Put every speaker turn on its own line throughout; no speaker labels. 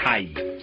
ย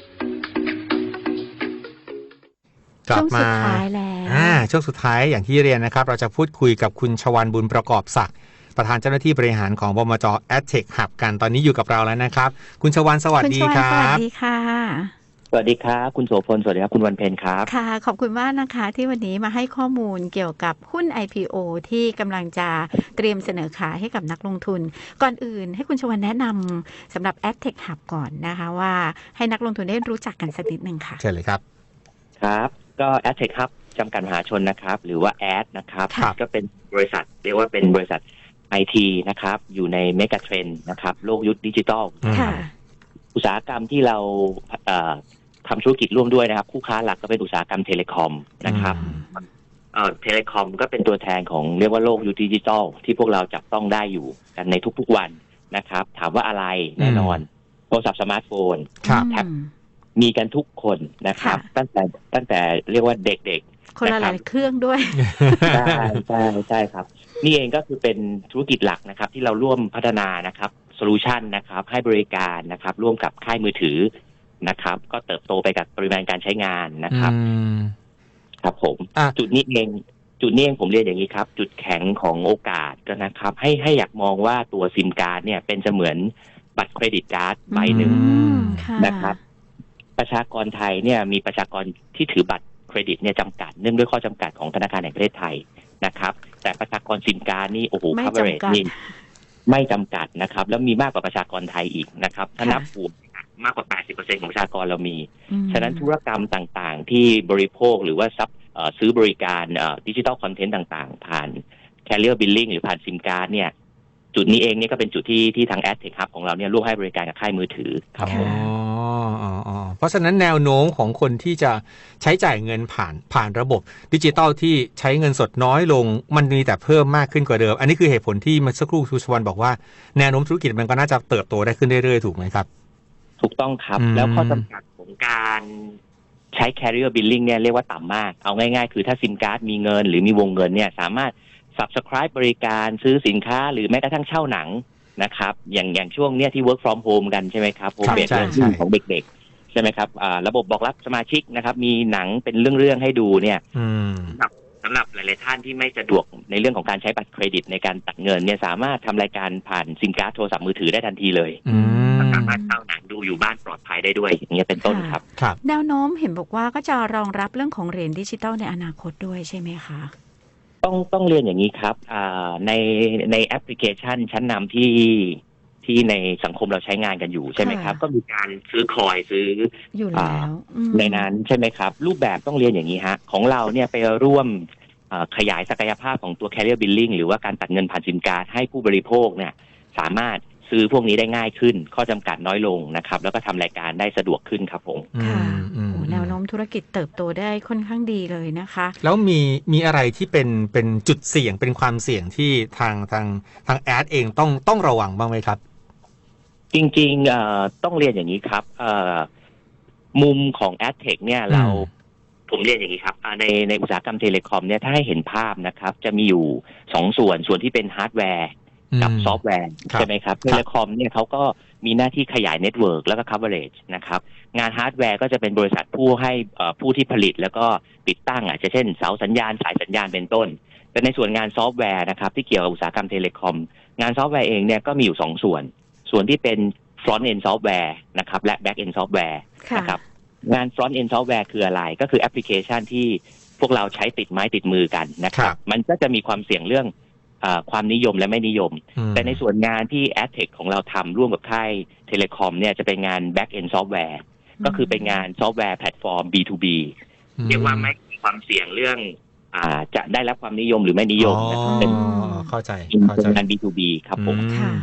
กลับมาช่วงสุดท้ายอย่างที่เรียนนะครับเราจะพูดคุยกับคุณชวรรณบุญประกอบศักดิ์ประธานเจ้าหน้าที่บริหารของบมจ. AdTech Hub กันตอนนี้อยู่กับเราแล้วนะครับคุณชวรรณสวัสดีครับ
สวัสดีค่ะ
สวัสดีครับคุณโสพลสวัสดีครับคุณวันเพ็ญครับ
ค่ะขอบคุณมากนะคะที่วันนี้มาให้ข้อมูลเกี่ยวกับหุ้น IPO ที่กำลังจะเตรียมเสนอขายให้กับนักลงทุนก่อนอื่นให้คุณชวรรณแนะนำสำหรับ AdTech Hub ก่อนนะคะว่าให้นักลงทุนได้รู้จักกันสักนิดนึงค่ะ
เชิญเลยครับ
ครับก็ AdTech Hub จำกัดมหาชนนะครับหรือว่า Ad นะครับก็เป็นบริษัทเรียกว่าเป็นบริษัท IT นะครับอยู่ในเมกะเทรนด์นะครับโลกยุคดิจิทัลอุตสาหกรรมที่เราทำธุรกิจร่วมด้วยนะครับคู่ค้าหลักก็เป็นอุตสาหกรรมเทเลคอมนะครับเทเลคอมก็เป็นตัวแทนของเรียกว่าโลกยุคดิจิทัลที่พวกเราจับต้องได้อยู่กันในทุกๆวันนะครับถามว่าอะไรแน่นอนโทรศัพท์สมาร์ทโฟนแท็บมีกันทุกคนนะครับตั้งแต่เรียกว่าเด็ก
ๆคนละหลายเครื่องด้วย
ใช่ครับนี่เองก็คือเป็นธุรกิจหลักนะครับที่เราร่วมพัฒนานะครับโซลูชันนะครับให้บริการนะครับร่วมกับค่ายมือถือนะครับก็เติบโตไปกับปริมาณการใช้งานนะครับครับผมจุดนี้เองผมเรียนอย่างนี้ครับจุดแข็งของโอกาสก็นะครับให้อยากมองว่าตัวซิมการ์ดเนี่ยเป็นเสมือนบัตรเครดิตการ์ดใบหนึ่งนะครับประชากรไทยเนี่ยมีประชากรที่ถือบัตรเครดิตเนี่ยจำกัดเนื่องด้วยข้อจำกัดของธนาคารแห่งประเทศไทยนะครับแต่ประชากรซิมการ์ดนี่โอ้โห coverage นี่ไม่จำกัดนะครับแล้วมีมากกว่าประชากรไทยอีกนะครับถ้านับรวมมากกว่า 80% ของประชากรเรามีฉะนั้นธุรกรรมต่างๆที่บริโภคหรือว่าซื้อบริการดิจิทัลคอนเทนต์ต่างๆผ่าน Carrier Billing หรือผ่านซิมการ์ดเนี่ยจุดนี้เองเนี่ยก็เป็นจุดที่ทาง AdTech Hub ของเราเนี่ยร่วมให้บริการกับค่ายมือถือครับ
เพราะฉะนั้นแนวโน้มของคนที่จะใช้จ่ายเงินผ่านระบบดิจิทัลที่ใช้เงินสดน้อยลงมันมีแต่เพิ่มมากขึ้นกว่าเดิมอันนี้คือเหตุผลที่เมื่อสักครู่คุณชวรรณบอกว่าแนวโน้มธุรกิจมันก็น่าจะเติบโตได้ขึ้นเรื่อยๆถูกไหมครับ
ถูกต้องครับแล้วข้อจำกัดของการใช้ Carrier Billing เนี่ยเรียกว่าต่ำมากเอาง่ายๆคือถ้าซิมการ์ดมีเงินหรือมีวงเงินเนี่ยสามารถ subscribe บริการซื้อสินค้าหรือแม้กระทั่งเช่าหนังนะครับอย่างช่วงเนี้ยที่ work from home กันใช่ไหมครับ home based learning ของเด็กๆใช่ไหมครับระบบบอกรับสมาชิกนะครับมีหนังเป็นเรื่องๆให้ดูเนี่ยสำหรับหลายๆท่านที่ไม่สะดวกในเรื่องของการใช้บัตรเครดิตในการตัดเงินเนี่ยสามารถทำรายการผ่านซิมการ์ดโทรศัพท์มือถือได้ทันทีเลยสามารถเช่าหนังดูอยู่บ้านปลอดภัยได้ด้วยอย่างเงี้ยเป็นต้นครับ
แนวโน้มเห็นบอกว่าก็จะรองรับเรื่องของเหรียญดิจิทัลในอนาคตด้วยใช่ไหมคะ
ต้องเรียนอย่างนี้ครับในแอปพลิเคชันชั้นนำที่ในสังคมเราใช้งานกันอยู่ใช่ไหมครับก็มีการซื้อคอยซื้อ
อยู่แล้ว
ในนั้นใช่ไหมครับรูปแบบต้องเรียนอย่างนี้ฮะของเราเนี่ยไปร่วมขยายศักยภาพของตัว Carrier Billing หรือว่าการตัดเงินผ่านซิมการ์ดให้ผู้บริโภคเนี่ยสามารถซื้อพวกนี้ได้ง่ายขึ้นข้อจำกัดน้อยลงนะครับแล้วก็ทำรายการได้สะดวกขึ้นครับผม
ค่ะแนวโน้มธุรกิจเติบโตได้ค่อนข้างดีเลยนะคะ
แล้วมีอะไรที่เป็นจุดเสี่ยงเป็นความเสี่ยงที่ทางแอดเองต้องระวังบ้างไหมครับ
จริงๆต้องเรียนอย่างนี้ครับมุมของ AdTech เนี่ยผมเรียนอย่างนี้ครับในอุตสาหกรรมเทเลคอมเนี่ยถ้าให้เห็นภาพนะครับจะมีอยู่2ส่วนที่เป็นฮาร์ดแวร์กับซอฟต์แวร์ใช่ไหมครับเทเลคอมเนี่ยเขาก็มีหน้าที่ขยายเน็ตเวิร์กแล้วก็ coverage นะครับงานฮาร์ดแวร์ก็จะเป็นบริษัทผู้ที่ผลิตแล้วก็ติดตั้งอาจจะเช่นเสาสัญญาณสายสัญญาณเป็นต้นแต่ในส่วนงานซอฟต์แวร์นะครับที่เกี่ยวกับอุตสาหกรรมเทเลคอมงานซอฟต์แวร์เองเนี่ยก็มีอยู่2ส่วนที่เป็น front end software นะครับและ back end software นะครับงาน front end software คืออะไรก็คือแอปพลิเคชันที่พวกเราใช้ติดไม้ติดมือกันนะครับมันก็จะมีความเสี่ยงเรื่องความนิยมและไม่นิยมแต่ในส่วนงานที่ AdTech ของเราทำร่วมกับค่ายเทเลคอมเนี่ยจะเป็นงาน back end software ก็คือเป็นงานซอฟต์แวร์แพลตฟอร์ม B2B เรียกว่าไม่มีความเสี่ยงเรื่องจะได้รับความนิยมหรือไม่นิยมนะครับเป็น
เข้าใจ
งาน B2B ครับผม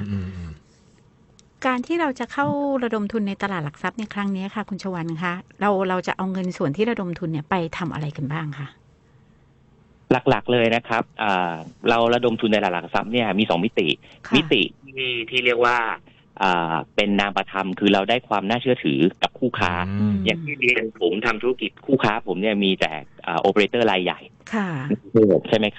การที่เราจะเข้าระดมทุนในตลาดหลักทรัพย์ในครั้งนี้ค่ะคุณชวรรณคะเราจะเอาเงินส่วนที่ระดมทุนเนี่ยไปทำอะไรกันบ้างคะ
หลักๆเลยนะครับเราระดมทุนในตลาดหลักทรัพย์เนี่ยมี2มิติที่เรียกว่าเป็นนามธรรมคือเราได้ความน่าเชื่อถือกับคู่ค้าอย่างที่เรียนผมทำธุรกิจคู่ค้าผมเนี่ยมีแต่โอเปอเรเตอร์รายใหญ่ใช่ไหมครับ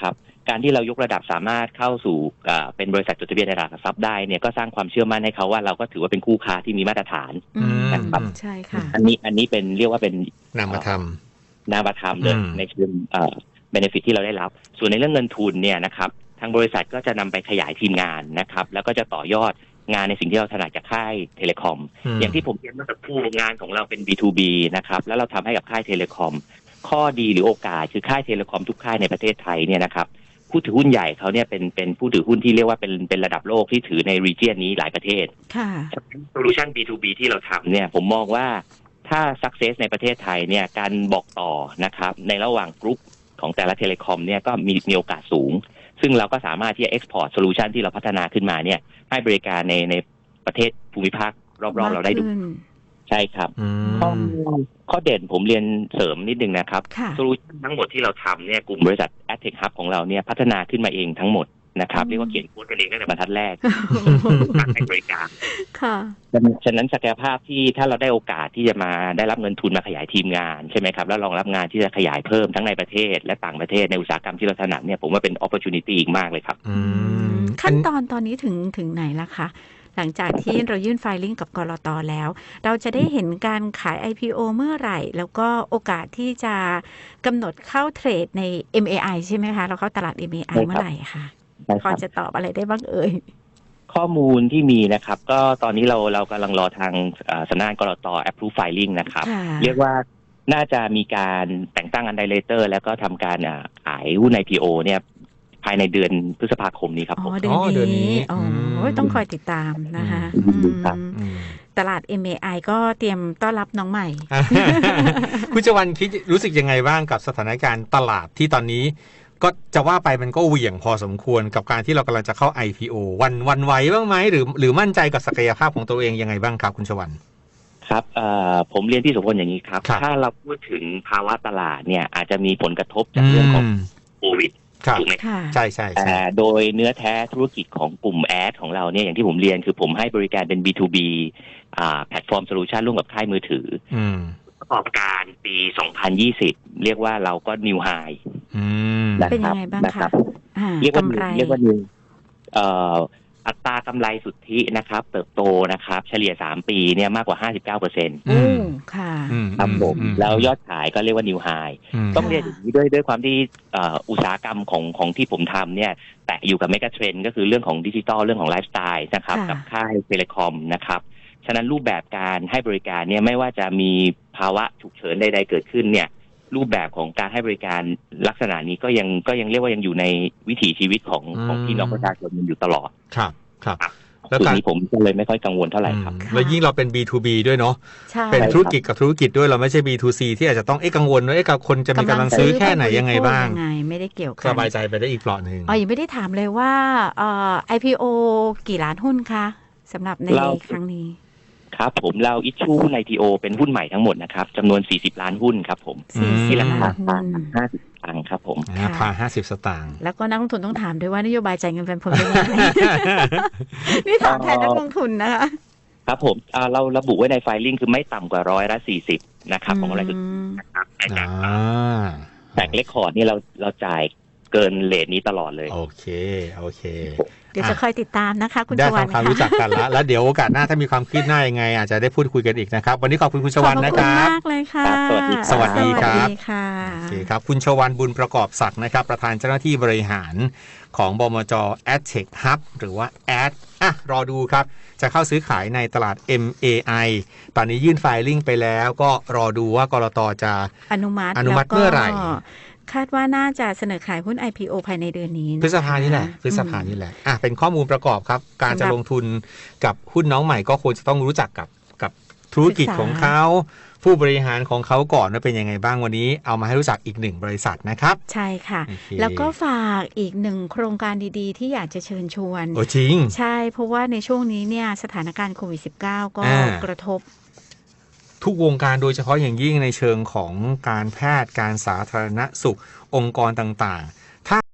การที่เรายกระดับสามารถเข้าสู่เป็นบริษัทจดทะเบียนในตลาดหลักทรัพย์ได้เนี่ยก็สร้างความเชื่อมั่นให้เขาว่าเราก็ถือว่าเป็นคู่ค้าที่มีมาตรฐาน นะครับ
ใช่ค่ะ
อันนี้เป็นเรียกว่าเป็น
นามธรรม
นามธรรมเลยในเชิงbenefit ที่เราได้รับส่วนในเรื่องเงินทุนเนี่ยนะครับทางบริษัทก็จะนำไปขยายทีมงานนะครับแล้วก็จะต่อยอดงานในสิ่งที่เราถนัดจากค่ายเทเลคอมอย่างที่ผมเรียนเมื่อสักครู่งานของเราเป็น B2B นะครับแล้วเราทำให้กับค่ายเทเลคอมข้อดีหรือโอกาสคือค่ายเทเลคอมทุกค่ายในประเทศไทยเนี่ยนะครับผู้ถือหุ้นใหญ่เขาเนี่ยเป็นผู้ถือหุ้นที่เรียกว่าเป็นระดับโลกที่ถือในรีเจียนนี้หลายประเทศ
ค่ะ
Solution B2B ที่เราทำเนี่ยผมมองว่าถ้า success ในประเทศไทยเนี่ยการบอกต่อนะครับในระหว่างกรุ๊ปของแต่ละเทเลคอมเนี่ยก็มีโอกาสสูงซึ่งเราก็สามารถที่จะ export solution ที่เราพัฒนาขึ้นมาเนี่ยให้บริการในประเทศภูมิภาครอบๆเราได้ดูใช่ครับข้อเด่นผมเรียนเสริมนิดนึงนะครับโซลูชันทั้งหมดที่เราทำเนี่ยกลุ่มบริษัท AdTech Hub ของเราเนี่ยพัฒนาขึ้นมาเองทั้งหมดนะครับเรียกว่าเขียนโค้ดกันเองตั้งแต่บรรทัดแรกการให้บริการค่ะฉะนั้นศักยภาพที่ถ้าเราได้โอกาสที่จะมาได้รับเงินทุนมาขยายทีมงานใช่ไหมครับแล้วรองรับงานที่จะขยายเพิ่มทั้งในประเทศและต่างประเทศในอุตสาหกรรมที่เราถนัดเนี่ยผมว่าเป็น opportunity อีกมากเลยครับ
ขั้นตอนนี้ถึงไหนละคะหลังจากที่เรายื่นไฟลิ่งกับกลต.แล้วเราจะได้เห็นการขาย IPO เมื่อไหร่แล้วก็โอกาสที่จะกำหนดเข้าเทรดใน MAI ใช่ไหมคะเราเข้าตลาด MAI เมื่อไหร่คะพอจะตอบอะไรได้บ้างเอ่ย
ข้อมูลที่มีนะครับก็ตอนนี้เรากำลังรอทางสำนักงานกลต. approve filing นะครับเรียกว่าน่าจะมีการแต่งตั้งอันไดเรคเตอร์แล้วก็ทำการขายหุ้น IPO เนี่ยภายในเดือนพฤษภาคมนี้ครับผม
เดือนนี้ต้องคอยติดตามนะคะตลาด MAI ก็เตรียมต้อนรับน้องใหม่
คุณจวันคิดรู้สึกยังไงบ้างกับสถานการณ์ตลาดที่ตอนนี้ก็จะว่าไปมันก็เหวี่ยงพอสมควรกับการที่เรากำลังจะเข้า IPO วันไหวบ้างไหมหรือมั่นใจกับศักยภาพของตัวเองยังไงบ้างครับคุณชวัน
ครับผมเรียนพี่สุพลอย่างนี้ครับถ้าเราพูดถึงภาวะตลาดเนี่ยอาจจะมีผลกระทบจากเรื่องของโควิดถูกไหม
ใช่แต่
โดยเนื้อแท้ธุรกิจของกลุ่มแอดของเราเนี่ยอย่างที่ผมเรียนคือผมให้บริการเป็น B2B แพลตฟอร์มโซลูชันร่วมกับค่ายมือถือประกอบการปี 2020 เรียกว่าเราก็ New High
เป็นยังไงบ้างคะ
เรียกว่า New อัตรากำไรสุทธินะครับเติบโตนะครับเฉลี่ย3ปีเนี่ยมากกว่า 59%
ค่ะ
ครับผมแล้วยอดขายก็เรียกว่า New High ต้องเรียนอย่างนี้ด้วยความที่อุตสาหกรรมของที่ผมทำเนี่ยแตะอยู่กับเมกะเทรนด์ก็คือเรื่องของดิจิทัลเรื่องของไลฟ์สไตล์นะครับกับค่ายเทเลคอมนะครับฉะนั้นรูปแบบการให้บริการเนี่ยไม่ว่าจะมีภาวะฉุกเฉินใดๆเกิดขึ้นเนี่ยรูปแบบของการให้บริการลักษณะนี้ก็ยังเรียกว่ายังอยู่ในวิถีชีวิตของพี่น้องประชาชนอยู่ตลอด
ครับ
แล้วการนี้ผมก็เลยไม่ค่อยกังวลเท่าไหร่ครับ
แล้วยิ่งเราเป็น B2B ด้วยเนาะเป็นธุรกิจกับธุรกิจด้วยเราไม่ใช่ B2C ที่อาจจะต้องกังวลว่ากับคนจะมีกำลังซื้อแค่ไหนยังไงบ้าง
ไม่ได้เกี่ยวกัน
สบายใจไปได้อีกเปลาะนึง
ยังไม่ได้ถามเลยว่าIPO กี่ล้านหุ้นคะสำหรับในครั้งนี้
ครับผมเราอิชชูใน IPO เป็นหุ้นใหม่ทั้งหมดนะครับจำนวน40ล้านหุ้นครับผมที่ราคา50 สตางค์ครับผม
ราคา50 สตางค์
แล้วก็นักลงทุนต้องถามด้วยว่านโยบายจ่ายเงินปันผลเป็นยังไงนี่ถามแทนนักลงทุนนะคะ
ครับผมเราระบุไว้ในไฟลิ่งคือไม่ต่ำกว่า140นะครับของอะไรนะครับแต่เรคคอร์ดนี่เราจ่ายเกินเรทนี้ตลอดเลย
โอเค
เดี๋ยวจะคอยติดตามนะคะคุณช
วันได้ทำความรู้จักกันแล้วเดี๋ยวโอกาสหน้าถ้ามีความคืบหน้ายังไงอาจจะได้พูดคุยกันอีกนะครับวันนี้ขอบคุณคุณชวันนะครับ
ขอบคุณมากเลยค่ะ
สวัสดีครับ
โอ
เคครับคุณชวันบุญประกอบศักดิ์นะครับประธานเจ้าหน้าที่บริหารของบมจ. AdTech Hub หรือว่า Ad รอดูครับจะเข้าซื้อขายในตลาด MAI ตอนนี้ยื่นไฟลิ่งไปแล้วก็รอดูว่ากลต.จะ
อนุมัติ
เมื่อไหร่
คาดว่าน่าจะเสนอขายหุ้น IPO ภายในเดือนนี้
พฤษภานี่แหละเป็นข้อมูลประกอบครับการจะลงทุนกับหุ้นน้องใหม่ก็ควรจะต้องรู้จักกับธุรกิจของเขาผู้บริหารของเขาก่อนว่าเป็นยังไงบ้างวันนี้เอามาให้รู้จักอีกหนึ่งบริษัทนะครับ
ใช่ค่ะแล้วก็ฝากอีกหนึ่งโครงการดีๆที่อยากจะเชิญชวน
จริง
ใช่เพราะว่าในช่วงนี้เนี่ยสถานการณ์โควิด -19 ก็กระทบ
ทุกวงการโดยเฉพาะอย่างยิ่งในเชิงของการแพทย์การสาธารณสุของค์กรต่างๆ